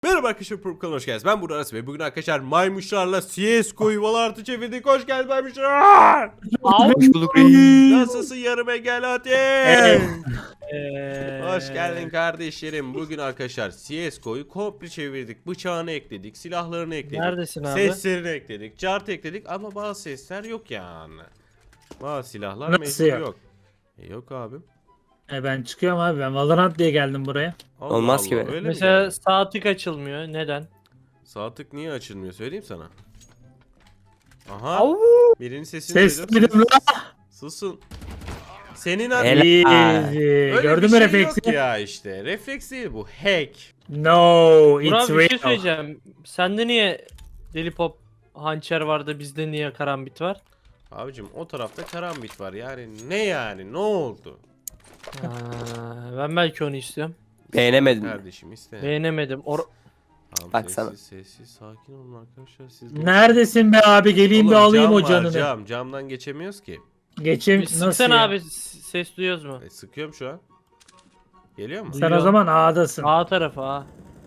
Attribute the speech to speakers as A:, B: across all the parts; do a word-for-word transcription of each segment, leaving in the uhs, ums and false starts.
A: Merhaba arkadaşlar, Purp kanalına hoş geldiniz. Ben Burak Arası ve bugün arkadaşlar maymuşlarla C S G O'yu Valorant'ı çevirdik. Hoş geldin maymuşlar.
B: Hoş bulduk.
A: Nasılsın yarım engel hadi.
B: Eee.
A: Hoş geldin kardeşlerim. Bugün arkadaşlar C S G O'yu komple çevirdik. Bıçağını ekledik, silahlarını ekledik.
B: Neredesin abi?
A: Seslerini ekledik, cart ekledik ama bazı sesler yok yani. Bazı silahlar
B: Nasıl
A: mevcut
B: yok?
A: yok. E, yok abim.
B: E ben çıkıyorum abi. Ben Valorant diye geldim buraya.
A: Allah
C: Olmaz
A: Allah,
C: ki be.
A: öyle mi
D: Mesela
A: yani?
D: sağ tık açılmıyor. Neden?
A: Sağ tık niye açılmıyor söyleyeyim sana. Aha.
D: Au!
A: Birinin sesini
B: Ses
A: duydum.
B: dedim la.
A: Susun. Senin adın.
C: Helal.
B: Easy.
A: Öyle
B: Gördün
A: bir
B: mü
A: şey yok
B: refleksi?
A: ya işte. Refleks değil bu. Hack.
B: No,
D: Burak
B: it's
D: bir şey
B: real.
D: söyleyeceğim. Sende niye Deli Pop hançer vardı, bizde niye karambit var?
A: Abicim o tarafta karambit var. Yani ne yani? Ne oldu?
D: Ha, ben belki onu istiyorum.
C: Beğenemedim.
A: Kardeşim iste.
D: Beğenemedim. Or
A: Tamam,
C: Baksana.
A: sessiz sessiz sakin olun arkadaşlar. Siz de-
B: Neredesin be abi? Geleyim
A: Oğlum,
B: bir alayım
A: cam
B: o
A: var,
B: canını.
A: Cam. Camdan geçemiyoruz ki.
B: Geçeyim. Nasıl
D: Sıksana
B: ya?
D: abi, s- ses duyuyoruz mu?
A: E, sıkıyorum şu an. Geliyor mu?
B: Sen
D: Duyuyor.
B: o zaman A'dasın.
D: A tarafı A.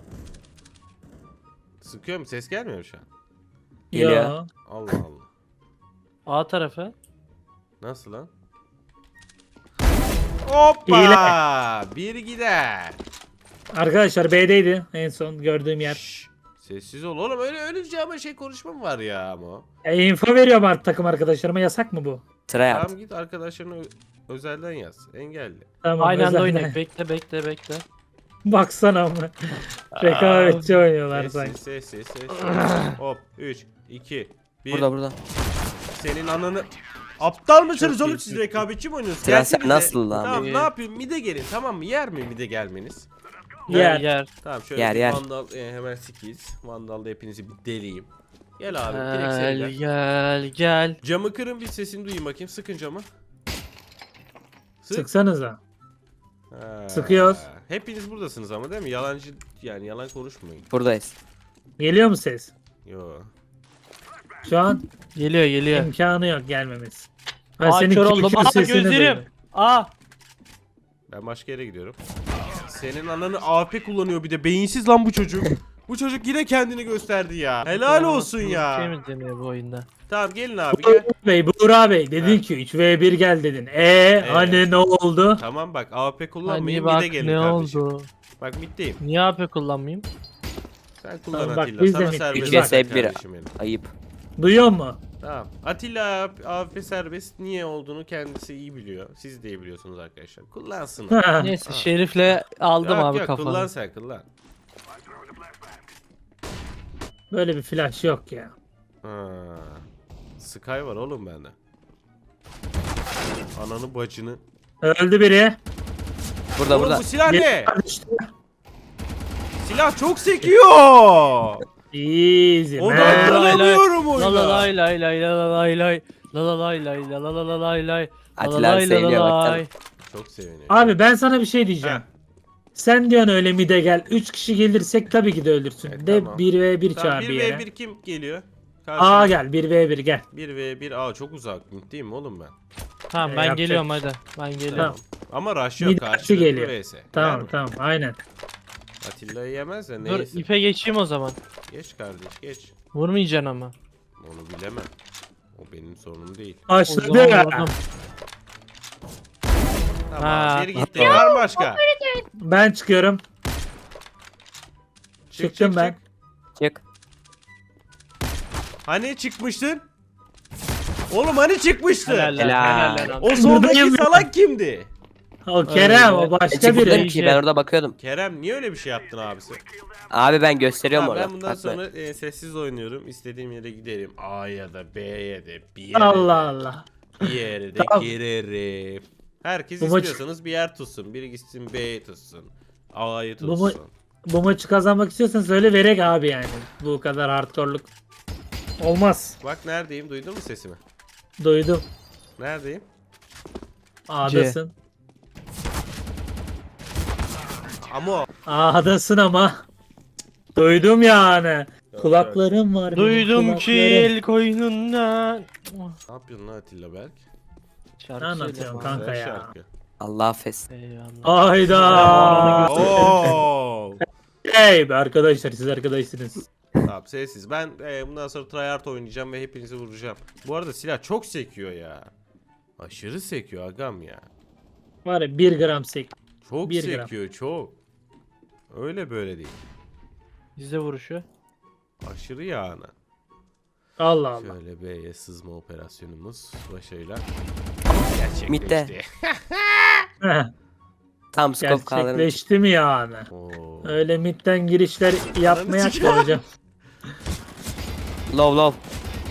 A: Sıkıyorum. Ses gelmiyor mu şu an?
C: Geliyor.
B: Yo.
A: Allah Allah.
D: A tarafı.
A: Nasıl lan? Hoppa! Bir gider.
B: Arkadaşlar B'deydi en son gördüğüm yer.
A: Şşş, sessiz ol oğlum, öyle ölünce ama şey konuşma mı var ya ama?
B: E, info veriyorum artık takım arkadaşlarıma. Yasak mı bu?
C: Sıra yap.
A: Tamam git arkadaşlarına ö- özelden yaz. Engelli.
B: Tamam.
D: Aynı anda
B: özelden.
D: oynayın. Bekle bekle bekle.
B: Baksana ama. Rekabetçi oynuyorlar
A: Sessiz
B: sanki.
A: sessiz sessiz. Hop üç iki bir.
C: Burada burada.
A: Senin ananı. Aptal mısınız
D: Çok
A: oğlum
D: iyi,
A: siz,
D: çok iyi.
A: rekabetçi mi oynuyorsunuz?
C: Sıra sen
A: Gelsenize.
C: nasıl lan?
A: Tamam,
D: İyi.
A: ne yapayım, mide gelin tamam mı? Yer mi mide gelmeniz?
B: Yer.
D: Yer yer.
A: Tamam şöyle
C: Yer,
A: bir
C: yer.
A: vandal e, hemen sikiyiz. Vandalda hepinizi bir deleyim. Gel abi direkt sen
D: Gel
A: gel.
D: gel gel.
A: Camı kırın, bir sesini duyayım bakayım. Sıkın camı. Sık.
B: Sıksanıza.
A: Ha.
B: Sıkıyoruz.
A: Hepiniz buradasınız ama değil mi? Yalancı yani, yalan konuşmayın.
C: Buradayız.
B: Geliyor mu ses?
A: Yo.
B: Şu an
D: Geliyor geliyor.
B: imkanı yok gelmemesi. Ben
D: Aa,
B: senin
D: kör
B: kül
D: oldum.
B: kül
D: Aa,
B: sesini
D: gözlerim.
B: duydum.
D: Aa.
A: Ben başka yere gidiyorum. Senin ananı A P kullanıyor bir de. Beyinsiz lan bu çocuk. Bu çocuk yine kendini gösterdi ya. Helal olsun
D: Şey
A: ya.
D: mi deniyor bu oyunda?
A: Tamam gelin abi gel.
B: Bey, Buğra Bey dedin
A: Ha.
B: ki üç ve bir gel dedin. E hani ne oldu?
A: Tamam bak, A P
D: Hani
A: kullanmayın,
D: bak
A: mide gelin
D: ne
A: kardeşim.
D: oldu?
A: Bak middeyim.
D: Niye A P kullanmayayım?
A: Sen kullan
B: Tamam, bak,
A: Atilla.
B: biz de
A: Sana
B: mid-
A: serbest
B: üç
A: bırak
C: vs bir.
A: kardeşim benim.
C: Ayıp.
B: Duyuyor mu?
A: Tamam. Atilla A P serbest niye olduğunu kendisi iyi biliyor. Siz de iyi biliyorsunuz arkadaşlar. Kullansın.
D: Neyse
A: Ha.
D: Şerif'le aldım
A: Yok
D: abi
A: yok,
D: kafanı.
A: kullan sen kullan.
B: Böyle bir flash yok ya.
A: Ha. Sky var oğlum bende. Ananı bacını.
B: Öldü biri.
C: Burada
A: Oğlum
C: burada.
A: bu silah
B: Bir
A: ne?
B: düştü.
A: Silah çok sekiyor.
B: Easy man.
A: Odaklanamıyorum
D: La la
A: oyuna.
D: lay lay lay la la lay lay. La la lay lay la la la la lay lay. La la
C: Atilla abi
D: lay la
C: seviniyor
D: la
C: bak.
D: lay.
A: Çok seviniyor.
B: Abi ben sana bir şey diyeceğim.
A: Ha.
B: Sen diyorsun öyle mide gel. üç kişi gelirsek tabii ki de ölürsün.
A: E,
B: de
A: tamam.
B: bir ve bir
A: Tamam,
B: çağır
A: bir
B: bir
A: ve
B: yere.
A: bir kim geliyor?
B: A gel bir ve bir gel.
A: bir ve bir A çok uzak. Değil mi oğlum ben?
D: Tamam
B: Ee,
D: ben
B: yapacak
D: geliyorum
B: bir şey.
D: hadi. Ben geliyorum.
B: Tamam.
A: Ama rush yok,
B: Mid
A: karşılıklı
B: geliyor.
A: V S. Yer
B: Tamam
A: mi?
B: tamam aynen.
A: Atilla'yı yemez de
D: Dur
A: neyse.
D: ipe geçeyim o zaman.
A: Geç kardeş geç.
D: Vurmayacaksın ama.
A: Onu bilemem. O benim sorunum değil.
D: O
B: Başladı.
D: zaman vurdum.
A: Tamam
D: Ha.
A: bir gitti. Var mı başka?
B: Ben çıkıyorum.
A: Çık,
B: Çıktım
A: çık,
B: ben.
A: çık.
C: Çık.
A: Hani çıkmıştın? Oğlum hani çıkmıştı?
D: Helal lan,
C: Helal.
D: helal lan.
A: O soldaki
B: Buradayım ya.
A: salak kimdi?
B: O Kerem o
D: Öyle.
C: Ben
B: başka
C: çıkmadım
B: biri.
C: ki ben orada bakıyordum.
A: Kerem niye öyle bir şey yaptın abisi?
C: Abi ben gösteriyorum
A: Tamam,
C: orada.
A: ben bundan
C: Bak,
A: sonra e, sessiz oynuyorum. İstediğim yere giderim. A'ya da B'ye de bir yere
B: Allah
A: de,
B: Allah.
A: bir yere de
B: Tamam.
A: girerim. Herkes
B: Bu maç-
A: istiyorsanız bir yer tutsun. Biri gitsin B'yi tutsun. A'yı
B: Bu ma-
A: tutsun.
B: Bu maçı kazanmak istiyorsan söyle verek abi yani. Bu kadar hardcore'luk. Olmaz.
A: Bak neredeyim, duydun mu sesimi?
B: Duydum.
A: Neredeyim?
B: A'dasın.
A: Ama
B: A'dasın ama. Duydum yani.
A: Yok,
B: Kulaklarım var. benim,
D: Duydum ki
B: kulaklarım.
D: el koynundan.
A: ne yapıyorsun lan Atilla Berk?
D: Şarkı
B: Ne anlatıyorsun
D: söyleme
B: kanka
A: Güzel
B: ya?
A: şarkı.
C: Allah affetsin.
D: abi. Eyvallah.
B: Ayda.
A: Oo.
B: Hey be arkadaşlar, siz arkadaşsınız.
A: Tamam sessiz. Ben e, bundan sonra tryhard oynayacağım ve hepinizi vuracağım. Bu arada silah çok sekiyor ya. Aşırı sekiyor agam ya.
B: Var ya bir gram sek.
A: Çok
B: Bir gram.
A: sekiyor çok. Öyle böyle değil.
D: Bizde vuruşu.
A: Aşırı yani.
B: Allah Allah.
A: Şöyle B'ye sızma operasyonumuz başarıyla
C: Mid'de.
A: gerçekleşti.
B: Heh,
C: Tam scope kaldırmış.
B: gerçekleşti mi yani?
A: Oo.
B: Öyle midden girişler yapmayak
A: sikeyim.
B: da hocam.
C: Low low.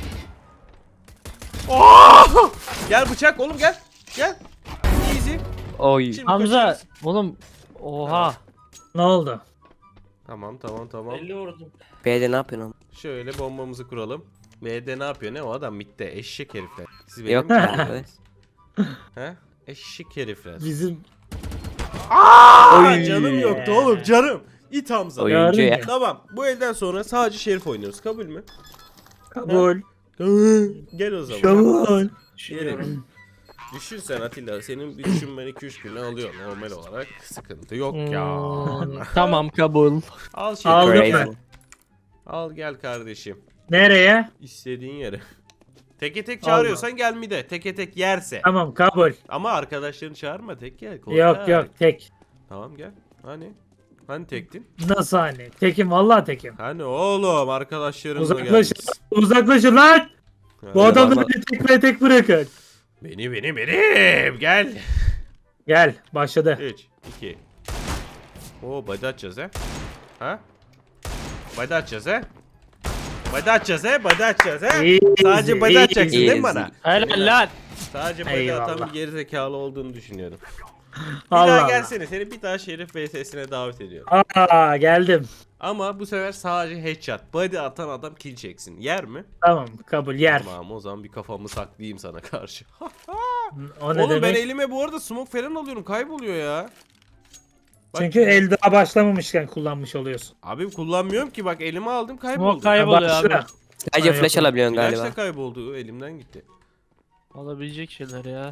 A: Oo! Gel bıçak oğlum gel. Gel. Easy.
C: Oy.
A: Şimdi
D: Hamza
A: kaçarız.
D: oğlum. Oha.
B: Ne oldu?
A: Tamam tamam tamam.
D: elli vurdum.
C: B'de ne yapıyorsun oğlum?
A: Şöyle bombamızı kuralım. B'de ne yapıyor? Ne o adam midde eşek herifler. Siz benim
C: Yok
A: mi?
C: abi.
A: He? Eşek herifler.
B: Bizim
A: Aa,
C: Oy.
A: canım yoktu oğlum canım. İt Hamza.
C: Oyuncu
B: Gördün
C: ya.
B: mü?
A: Tamam bu elden sonra sadece şerif oynuyoruz kabul mü?
B: kabul.
A: Gel o zaman.
B: Kabul.
A: Gelin. Düşürsen Atilla senin bir düşünmen iki üç güne alıyor normal olarak. Sıkıntı yok ya.
D: Hmm, tamam kabul.
A: Al şerifi.
B: Aldım
C: Crazy.
B: ben.
A: Al gel kardeşim.
B: Nereye?
A: İstediğin yere. Teke tek çağırıyorsan gel mi de. Teke tek yerse.
B: Tamam kabul.
A: Ama arkadaşlarını çağırma tek gel. korkak.
B: Yok yok tek.
A: Tamam gel. Hani? Hani tektin?
B: Nasıl hani? Tekim vallahi tekim.
A: Hani oğlum arkadaşlarınla
B: Uzaklaşın.
A: gelmişsin.
B: Uzaklaşın lan. Bu
A: Hani
B: adamları
C: vallahi-
B: tek ve tek bırakın.
A: Beni benim benim gel.
B: Gel başladı.
A: üç iki. Oo body açacağız he. Ha? Body açacağız he. Body açacağız he. Body açacağız he.
B: Easy,
A: Sadece body atacaksın değil mi
C: easy.
A: bana?
D: Helal lan.
A: Sadece body
B: Eyvallah.
A: atan bir gerizekalı olduğunu düşünüyorum. Bir
B: Allah
A: daha
B: Allah.
A: gelsene. Seni bir daha Şerif V S'sine davet ediyorum.
B: Aa geldim.
A: Ama bu sefer sadece headshot. Body atan adam kill çeksin. Yer mi?
B: Tamam kabul yer.
A: Tamam o zaman bir kafamı saklayayım sana karşı.
B: O ne
A: Oğlum ben
B: demek?
A: elime bu arada smoke falan alıyorum. Kayboluyor ya. Bak-
B: Çünkü el daha başlamamışken kullanmış oluyorsun.
A: Abi kullanmıyorum ki bak elime aldım
D: Smoke
A: kayboldu.
D: kayboluyor
B: Başla.
D: abi.
C: Sadece
B: Ay,
C: flash
B: yok.
C: alabiliyorsun
A: Flash
C: galiba.
A: da kayboldu elimden gitti.
D: Olabilecek şeyler ya.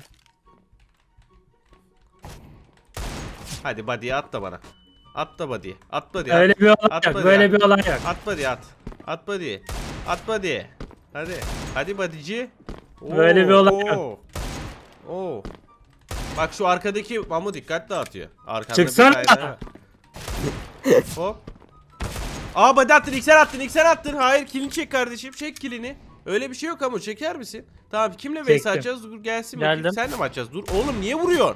A: Hadi body'ye at da bana. At da body'ye. At body'ye.
B: Öyle
A: At.
B: bir olay
A: At
B: yok.
A: hadi
B: Böyle
A: ya.
B: bir olay yok.
A: At body'ye at. At body'ye. At body'ye. Hadi. Hadi body'ci. Oo,
B: Böyle bir olay yok.
A: oo. Oo. Bak şu arkadaki Mamu dikkat dağıtıyor. Arkanda
B: Çıksana.
A: bir tane var. Hop. Aa body attın, iksir attın, iksir attın. Hayır kilini çek kardeşim. Çek kilini. Öyle bir şey yok ama çeker misin? Tamam kimle vs
B: Çektim.
A: atacağız? Dur gelsin bakayım.
D: Geldim.
A: Senle mi atacağız? Dur oğlum niye vuruyorsun?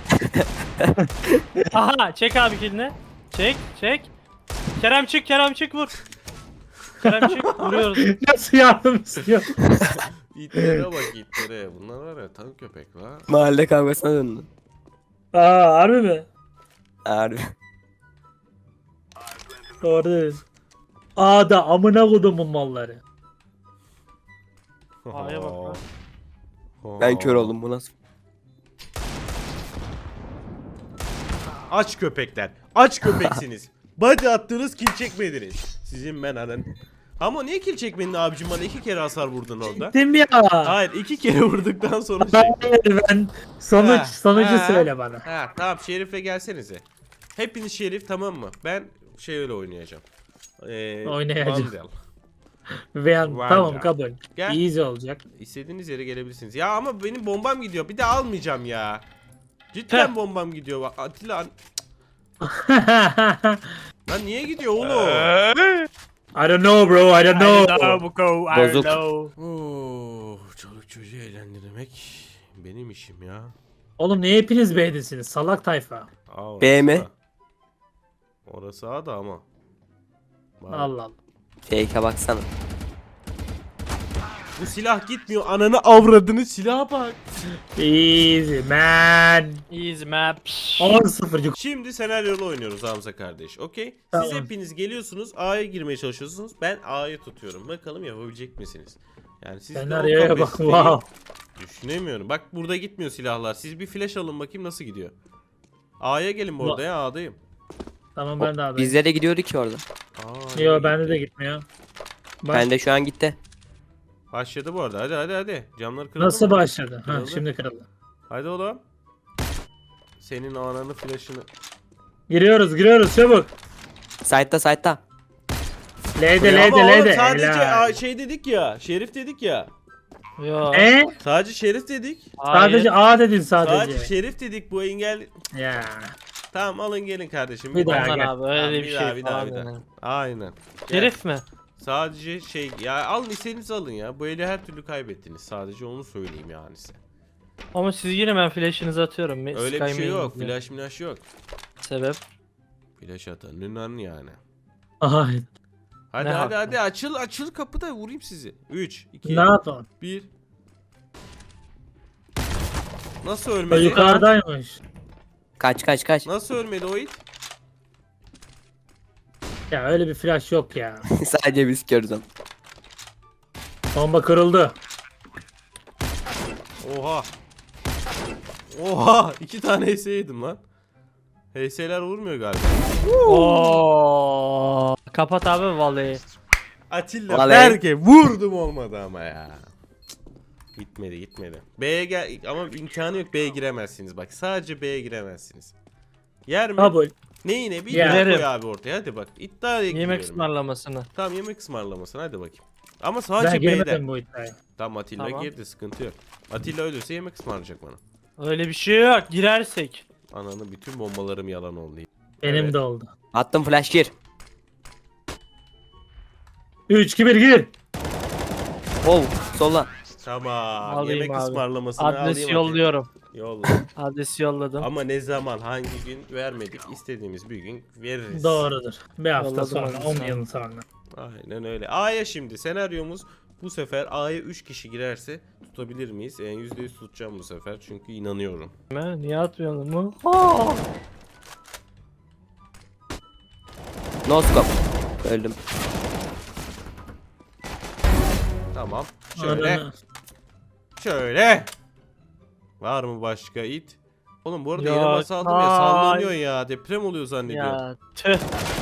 D: Aha çek abi kilini. Çek çek. Kerem çık Kerem çık vur. Kerem çık vuruyoruz.
B: Nasıl yardım istiyor?
A: İtlere bak itlere. Bunlar var ya tank köpek la.
C: Mahalle kavgasına döndü.
B: Aa harbi mi?
C: Harbi.
B: Doğru dedin. Aa da amına kodumun malları.
D: A'ya bak lan.
C: Ben kör oldum bu nasıl?
A: Aç köpekler. Aç köpeksiniz. Body attınız kill çekmediniz. Sizin ben anan. Ama niye kill çekmedin abicim bana iki kere hasar vurdun orada.
B: Değil mi ya?
A: Hayır iki kere vurduktan sonra şey.
B: Ben, ben sonuç
A: Ha,
B: sonucu
A: ha.
B: söyle bana.
A: Ha tamam Şerif'le gelsenize. Hepiniz Şerif tamam mı? Ben şey öyle oynayacağım. Ee,
B: Oynayacağım.
A: Vandal.
B: Ve
A: Var
B: tamam
A: ya.
B: kabul.
A: Gel.
B: Easy olacak.
A: İstediğiniz yere gelebilirsiniz. Ya ama benim bombam gidiyor. Bir de almayacağım ya. Cidden
D: Heh.
A: bombam gidiyor. Bak Atilla lan niye gidiyor oğlum?
B: I don't know bro, I don't know.
C: Bozuk.
A: Oo, çoluk çocuğu eğlendirmek benim işim ya.
B: Oğlum niye hepiniz B'desiniz? Salak tayfa.
A: Aa, orası
C: B mi?
A: da. Orası A da ama. Bak,
B: Allah Allah.
C: Fake'e baksana.
A: bu silah gitmiyor. Ananı avradını silaha bak.
B: Easy man.
D: Easy map.
B: on sıfır.
A: Şimdi senaryolu oynuyoruz Hamza kardeş. Okey. Siz
B: Tamam.
A: hepiniz geliyorsunuz. A'ya girmeye çalışıyorsunuz. Ben A'yı tutuyorum. Bakalım yapabilecek misiniz? Yani siz de o
B: Senaryoya bak.
A: kapasiteyi
B: Wow.
A: düşünemiyorum. Bak burada gitmiyor silahlar. Siz bir flash alın bakayım nasıl gidiyor. A'ya gelin bu arada ya A'dayım.
B: Tamam ben de adayım.
C: Bizde de gidiyordu ki orada.
A: Aa,
B: Yo
A: iyi
B: bende
A: gitti.
B: de gitmiyor. Bak,
C: Ben de şu an gitti.
A: Başladı bu arada. Hadi hadi hadi. Camlar kırıldı
B: nasıl
A: mı?
B: başladı? Ha
A: Kırıldı.
B: şimdi kırıldı.
A: Hadi oğlum. Senin ananı flash'ını.
B: Giriyoruz giriyoruz çabuk.
C: Side'da side'da.
B: L'de
A: Ama
B: L'de
A: oğlum
B: L'de.
A: sadece
B: Helal.
A: a, şey dedik ya. Şerif dedik ya.
D: Yo.
B: E?
A: Sadece şerif dedik.
D: Hayır.
B: Sadece A dedin sadece.
A: Sadece şerif dedik bu engel.
B: Ya.
A: Tamam alın gelin kardeşim.
B: Bir daha
D: Aman
B: gel.
D: abi öyle
A: Tamam,
D: bir
A: bir
D: şey
A: daha, bir daha,
D: falan
A: bir daha.
D: yani.
A: Aynen.
D: Şerif mi?
A: Sadece şey ya alın istediğinizi alın ya. Bu eli her türlü kaybettiniz. Sadece onu söyleyeyim yani size.
D: Ama siz yine ben flash'ınızı atıyorum. Me-
A: Öyle bir
D: Sky
A: şey
D: main
A: yok.
D: diye.
A: Flash milaş yok.
D: Sebep?
A: Flash atanın yani.
B: Ay.
A: Hadi
D: Ne
A: hadi
D: haklı?
A: hadi açıl açıl kapıda vurayım sizi. üç iki
B: Ne yapalım?
A: bir. Nasıl
B: O
A: ölmedi?
B: yukarıdaymış.
C: Kaç kaç kaç.
A: Nasıl ölmedi o it?
B: Ya öyle bir flash yok ya.
C: Sadece biz görürüz onu.
B: Bomba kırıldı.
A: Oha. Oha. iki tane H S yedim lan. H S'ler vurmuyor galiba.
D: Oo. Kapat abi vallahi.
A: Atilla
C: Vallahi-
A: Berke vurdum olmadı ama ya. Gitmedi gitmedi. B'ye gel ama imkanı yok B'ye giremezsiniz bak. Sadece B'ye giremezsiniz. Yer mi?
B: Kabul.
A: Neyine? Bir
B: Yer.
A: iddia koy abi ortaya hadi bak. İddiaya
D: Yemek
A: giriyorum.
D: ısmarlamasını.
A: Tamam yemek ısmarlamasın hadi bakayım. Ama
B: Ben
A: sadece B'den.
B: girmedim bu iddiaya.
A: Tamam Atilla
D: Tamam.
A: girdi sıkıntı yok. Atilla ölürse yemek ısmarlayacak bana.
D: Öyle bir şey yok. Girersek.
A: Ananı bütün bombalarım yalan oldu.
B: Benim
A: Evet.
B: de oldu.
C: Attım flash gir.
B: üç iki bir gir.
C: Oh sola.
A: Tamam
D: Alayım
A: yemek
D: abi.
A: ısmarlamasını
D: Adresi
A: alayım
D: yolluyorum.
A: Atilla. Yolla.
D: Adresi yolladım.
A: Ama ne zaman hangi gün vermedik istediğimiz bir gün veririz.
B: Doğrudur. Bir hafta
D: Yolladım
B: sonra,
D: onu
B: on
D: sana.
B: yıl sonra.
A: Aynen öyle. A'ya şimdi senaryomuz bu sefer A'ya üç kişi girerse tutabilir miyiz? Yani yüzde yüz tutacağım bu sefer çünkü inanıyorum.
D: Ha, niye atmayalım mı? Aa!
C: No scope. Öldüm.
A: Tamam. Şöyle.
B: Ananı-
A: Şöyle. Var mı başka it? Oğlum bu arada
D: Yok,
A: yere basaldım ya
D: ay.
A: sallanıyor ya. Deprem oluyor zannediyorum.
D: Ya tüh.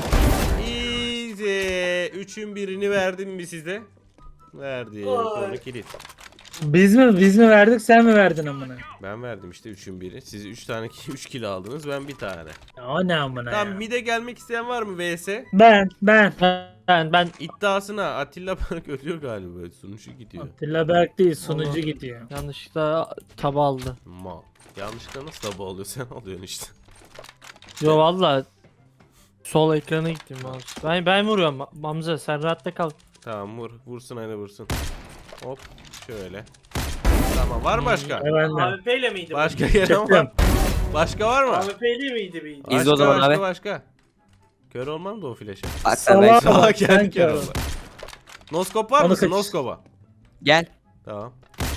A: Easy. Üçün birini verdim mi size? Verdi. Konu kilit.
B: Biz mi biz mi verdik sen mi verdin amına?
A: Ben verdim işte üçün biri. Siz üç tane üç kilo aldınız ben bir tane.
B: Ya o ne amına
A: Tamam
B: ya?
A: mide gelmek isteyen var mı V S?
B: Ben ben.
D: Ben ben
A: İddiasına Atilla Berk ölüyor galiba. Sunucu gidiyor.
B: Atilla Berk değil sunucu
D: Allah.
B: gidiyor.
D: yanlışlıkla taba aldı.
A: Mal. Yanlışlıkla nasıl tabu alıyor sen alıyorsun işte.
D: Yo valla sol ekrana gittim mouse. Ben ben vuruyorum Hamza sen rahatta kal.
A: Tamam vur. Vursun aynı vursun. Hop. Şöyle. Tamam var mı başka?
B: Evet ben de.
D: A W P ile miydi?
A: Başka gelen var.
B: Çıktım.
A: Başka var mı?
D: A W P ile miydi miydi?
A: Başka,
C: İzle o zaman
A: başka,
C: abi.
A: Başka. Kör olmam da o flash'e.
C: Bak sen ben
B: Salak.
C: sonra.
A: Aa kendi
B: sen
A: kör
B: kör
A: oldu. Noskop var
B: Onu
A: mısın?
B: kaç-
A: Noskop'a.
C: Gel.
A: Tamam.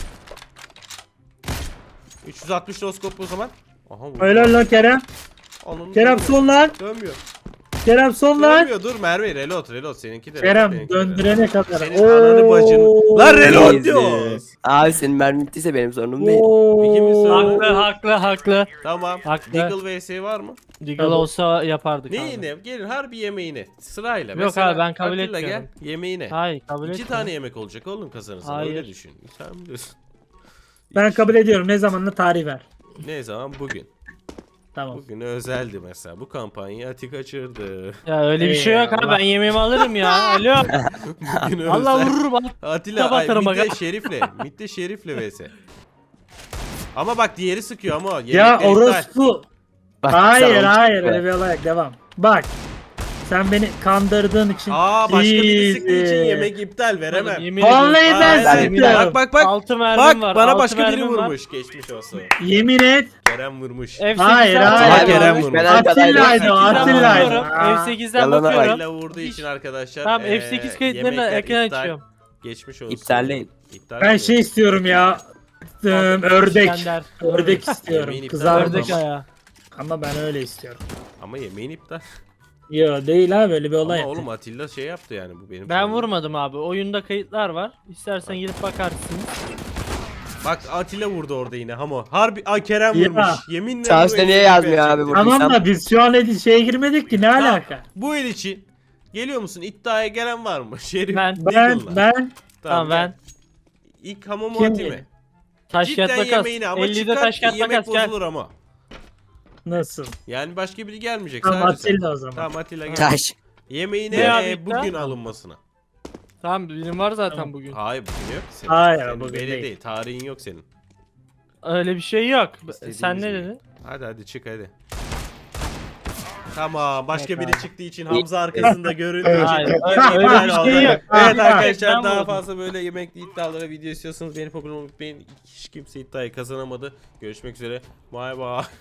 A: üç yüz altmış noskop o zaman. Aha vurdu.
B: Helal lan Kerem.
A: Onun
B: Kerem
A: dönmüyor.
B: son lan.
A: Dönmüyor.
B: Kerem son lan.
A: Dönmüyor dur Merve reload reload seninki de.
B: Kerem
A: seninki de reload.
B: döndürene kadar.
A: Senin ananı bacını. Lan reload
C: Easy.
A: diyoruz.
C: Abi senin mermin bittiyse benim sorunum değil.
A: İkimiz
B: Oo.
A: sonra-
D: Haklı haklı haklı.
A: Tamam.
D: Haklı.
A: Deagle vs var mı?
D: Deagle
B: Tabii.
D: olsa yapardık
A: Ne
D: abi.
A: yine? Gelin harbi yemeğini. Sırayla.
D: Yok
A: Mesela
D: abi, ben kabul
A: Atilla
D: etmiyorum.
A: gel yemeğine.
D: Hayır kabul
A: İki
D: etmiyorum.
A: tane yemek olacak oğlum kazanırsan
D: Hayır.
A: öyle düşün. Sen biliyorsun.
B: Ben kabul ediyorum. Ne zamanla tarih ver.
A: Ne zaman? Bugün.
B: Tamam.
A: Bugün özeldi mesela. Bu kampanyayı Ati kaçırdı.
D: Ya öyle bir şey yok abi
B: Eyvallah.
D: ben yemeğimi alırım ya. Alo.
A: Bugün
D: Allah
A: özel.
D: vurur bak.
A: Atilla
D: Kitap
A: ay,
D: atarım
A: midde
D: bak.
A: Şerif'le. Midde Şerif'le vs. Ama bak diğeri sıkıyor ama.
B: Ya
A: yemekler iptal.
B: orospu.
C: Bak,
B: Hayır
C: sen onu
B: hayır
C: çıkma.
B: öyle bir olay yok. Devam. Bak. Sen beni kandırdığın için.
A: Aa başka biri sıktığı için
B: Easy.
A: yemek iptal veremem.
D: Yemin
B: Vallahi
D: ediyorum.
B: ben
A: Hayır,
B: sıktım.
A: Bak bak bak.
D: Altı mermim
A: Bak
D: var.
A: bana
D: altı
A: başka biri
D: mermim var.
A: vurmuş. Geçmiş olsun.
B: Yemin et.
A: Kerem vurmuş.
D: F sekizden
B: Hayır, hayır.
A: Aha,
D: bakıyorum.
A: Kerem
C: vurmuş,
A: vurmuş.
C: ben arkadaydım.
B: Atilla'ydı o
D: F sekizden
B: Atilla'ydı.
D: bakıyorum.
B: Aa.
D: F sekizden
C: Yalana bak.
D: bakıyorum.
A: Atilla vurduğu için arkadaşlar.
D: Tamam
A: eee,
D: F sekiz kayıtlarını
A: yemekler
D: ekran
A: iptal.
D: açıyorum.
A: Geçmiş olsun.
C: İptalleyin.
A: İptal
B: Ben
A: mi?
B: şey istiyorum ya. Ee, ördek.
D: İskender.
B: Ördek istiyorum.
A: Yemeğin iptal
B: Kızarmış.
D: Ördek ayağı.
B: Ama ben öyle istiyorum.
A: Ama yemeğin iptal.
B: Yo değil abi öyle bir olay.
A: Ama
B: yok.
A: oğlum Atilla şey yaptı yani bu benim.
D: Ben
A: sorunum.
D: vurmadım abi. Oyunda kayıtlar var. İstersen gidip bakarsınız.
A: Bak Atilla vurdu orada yine Hamo. Harbi Aa, Kerem
B: Ya.
A: vurmuş. Yeminle
C: Charles
A: bu
C: de
A: el
C: niye
A: için
C: yazmıyor
A: gerçekten.
C: abi bu?
B: Tamam
C: Sen-
B: da biz şu an edi- şeye girmedik ki ne
A: Tamam,
B: alaka?
A: Bu el için geliyor musun? İddiaya gelen var mı? Şerif
D: Ben-
B: Ben
A: Deagle'la.
B: ben
D: Tamam ben.
A: gel. İlk Hamo mu
B: Kim
A: Ati mi?
B: dedi?
D: Taş
A: Cidden
D: kağıt makas.
A: yemeğini ama
D: ellide
A: çıkart
D: taş kağıt
A: yemek
D: makas gel.
A: bozulur ama.
B: nasıl?
A: Yani başka biri gelmeyecek
B: Tamam
A: sadece sen.
B: Atilla o zaman.
A: Tamam Atilla gel.
C: Taş.
A: Yemeğine
D: Ne abi
A: e,
D: iddia?
A: bugün alınmasına.
D: Tamam benim var zaten
B: Tamam.
D: bugün.
A: Hayır bugün yok ki senin.
B: Hayır,
A: Senin
B: bugün
A: belli
B: değil.
A: değil. Tarihin yok senin.
D: Öyle bir şey yok.
A: İstediğimiz
D: Sen ne
A: gibi.
D: dedin?
A: Hadi hadi çık hadi. Tamam başka
D: Yok
A: biri
D: abi.
A: çıktığı için Hamza arkasında göründüğü için
D: Hayır,
A: iptal
D: öyle bir
A: oldu.
D: şey yok.
A: Evet
D: Ben
A: arkadaşlar daha
D: vurdum.
A: fazla böyle yemekli iddialara video istiyorsanız beni programı unutmayın. Hiç kimse iddiayı kazanamadı. Görüşmek üzere. Bay bay.